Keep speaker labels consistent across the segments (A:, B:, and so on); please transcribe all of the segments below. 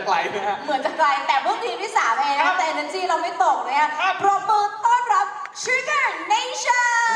A: ลนะฮะ
B: เหมือนจะไกลแต่เพิ่งทีมที่3เองนะแต่ energy เราไม่ตกเลยอะปรบมือต้อนรับ Sugar Nation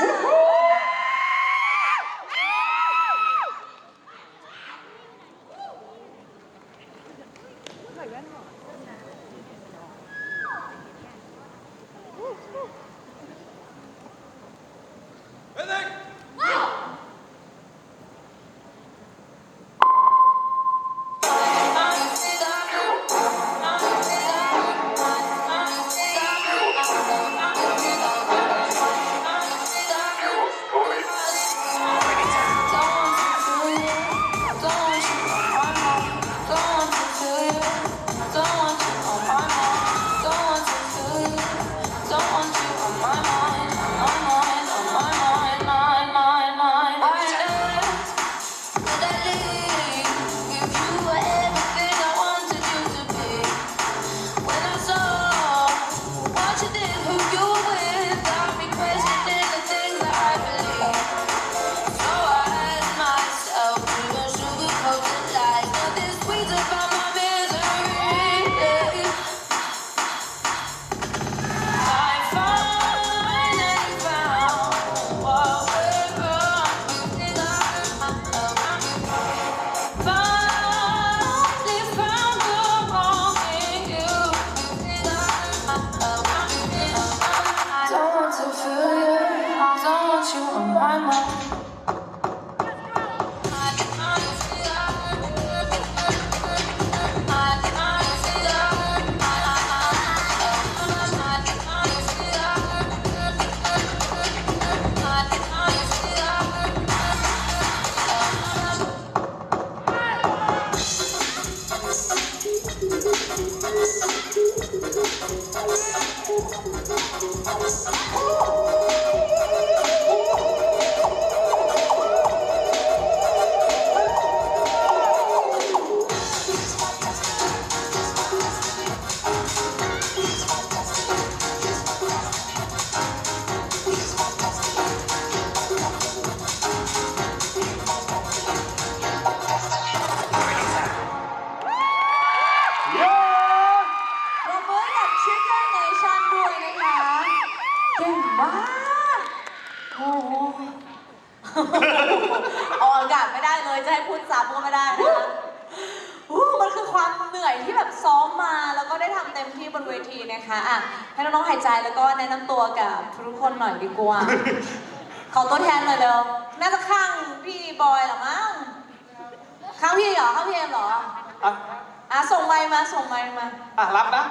B: ออกอากาศไม่ได้เลยจะให้พูดซ้ำก็ไม่ได้นะคะมันคือความเหนื่อยที่แบบซ้อมมาแล้วก็ได้ทำเต็มที่บนเวทีนะคะอ่ะให้น้องๆหายใจแล้วก็แนะนำตัวกับทุกคนหน่อยดีกว่าขอตัวแทนหน่อยเร็วน่าจะข้างพี่บอยหรอมั้งข้างพี่เหรอข้างพี่เอ็มเหรอส่งไมค์มาส่งไมค์มา
A: รับนะ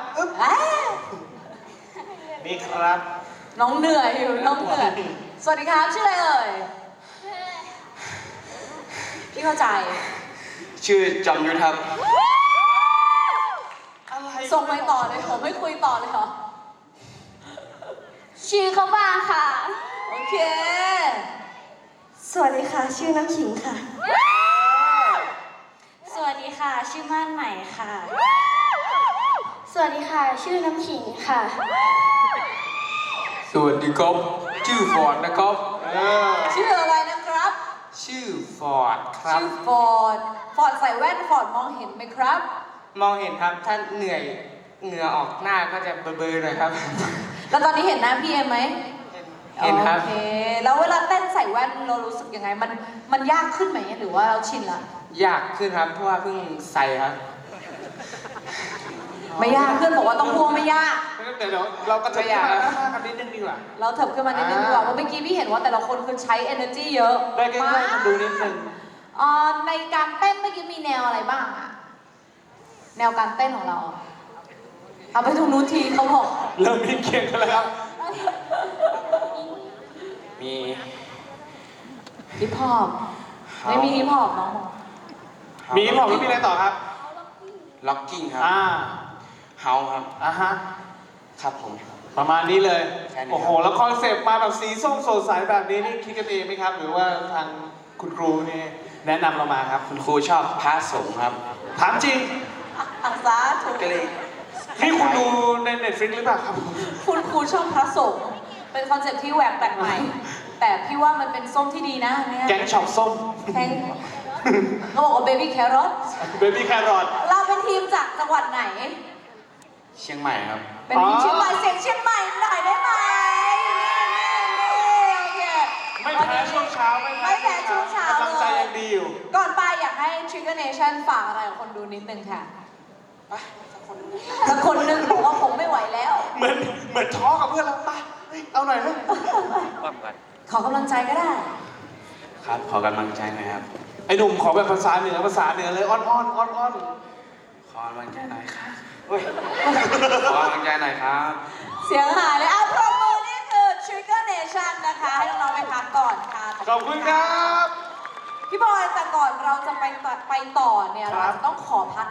A: นี่ครับ
B: น้องเหนื่อยอยู่น้องเหนื่อยสวัสดีครับชื่ออะไรเอ่ยพี่เข้าใจ
A: ชื่อจอมยุทธครับ
B: ส่งไปต่อเลยผมไม่คุยต่อเลยเหรอ
C: ชื่อเขาบ้างค่ะ
B: โอเค
C: สวัสดีค่ะชื่อน้ำขิงค่ะสวัสดีค่ะชื่อม่านใหม่ค่ะสวัสดีค่ะชื่อน้ำขิงค่ะ
A: สวัสดีครับชื่อฟอร์ดนะครับ
B: ชื่ออะไรนะครับ
A: ชื่อฟอร์ดครับ
B: ชื่อฟอร์ดใส่แว่นฟอร์ดมองเห็นไหมครับ
A: มองเห็นครับถ้าเหนื่อยเหงื่อออกหน้าก็จะเบลอๆหน่อยครับ
B: แล้วตอนนี้เห็นหน้าพี่เอ็มไหม
A: เห็นครับ
B: โอเคแล้วเวลาเต้นใส่แว่นเรารู้สึกยังไงมันยากขึ้นไหมหรือว่าเราชินละ
A: ยากขึ้นครับเพราะว่าเพิ่งใส่ครับ
B: ไม่ยากขึ้นบอกว่าต้องพวงไม่ยาก
A: เดี๋ยวเราก็จะยากกันนิดนึงดีกว่า
B: เราเถิบขึ้นมานิดนึงดีกว่าเพราะเมื่อกี้พี่เห็นว่าแต่ละคนคือใช้ energy เยอะ
A: ได้ใกล้ๆดูนิดนึง
B: ในการเต้นเมื่อกี้มีแนวอะไรบ้างอะแนวการเต้นของเราเอาไปตรงนู้นทีเขาบอก
A: เริ่มมีเคียงกันแล้วครับมี
B: ฮิปฮอปไม่มีฮิปฮอปน้อง
A: มีฮิปฮอปแล้วมีอะไรต่อครับล็อกกิ้งครับเฮาครับครับผมประมาณนี้เลยโอ้โหแล้วคอนเซปต์มาแบบสีส้มสดใสแบบนี้นี่คิดกันเองไหมครับหรือว่าทางคุณครูนี่แนะนำเรามาครับคุณครูชอบพระสงฆ์ครับถามจริง
B: อักษาถูก
A: เลยนี่คุณดูใน Netflix หรือเปล่าครับ
B: คุณครูชอบพระสงฆ์เป็นคอนเซ็ปต์ที่แหวกแปลกใหม่แต่พี่ว่ามันเป็นส้มที่ดีนะเนี่ย
A: แกงช็อปส้ม
B: เขาบอกว่าเบบี้แครอท
A: เบบี้แครอท
B: เราเป็นทีทีมจากจังหวัดไหน
A: เชียงใหม่ครับ
B: เป็นทีมเชียงใหม่เสียงเชียงใหม่หน่อยได้ไหมโอเค
A: ไม่แพ้ช่วงเช้า
B: ไม่แพ้ช่วงเช้า
A: กำลังใจยังดีอยู่
B: ก่อนไปอยากให้ Trigger Nation ฝากอะไรกับคนดูนิดนึงค่ะสักคนนึงบอกว่าผมไม่ไหวแล้ว
A: เหมือนท้อกับเพื่อนเราไปเอาหน่อยเถอะ
B: ขอกำลังใจก็ได้
A: ครับขอกำลังใจหน่อยครับไอ้หนุ่มขอแบบภาษาเหนือเลยอ้อนขอกำลังใจหน่อยครับขอกำลังใจหน่อยครับ
B: เสียงหายเลยอ่ะปรบมือนี่คือ Trigger Nation นะคะให้น้องๆไปพักก่อนค่ะ
A: ขอบคุณครับ
B: พี่บอยแต่ก่อนเราจะไปต่อเนี่ย
A: ครั
B: เรา
A: บ
B: จะต้องขอพัก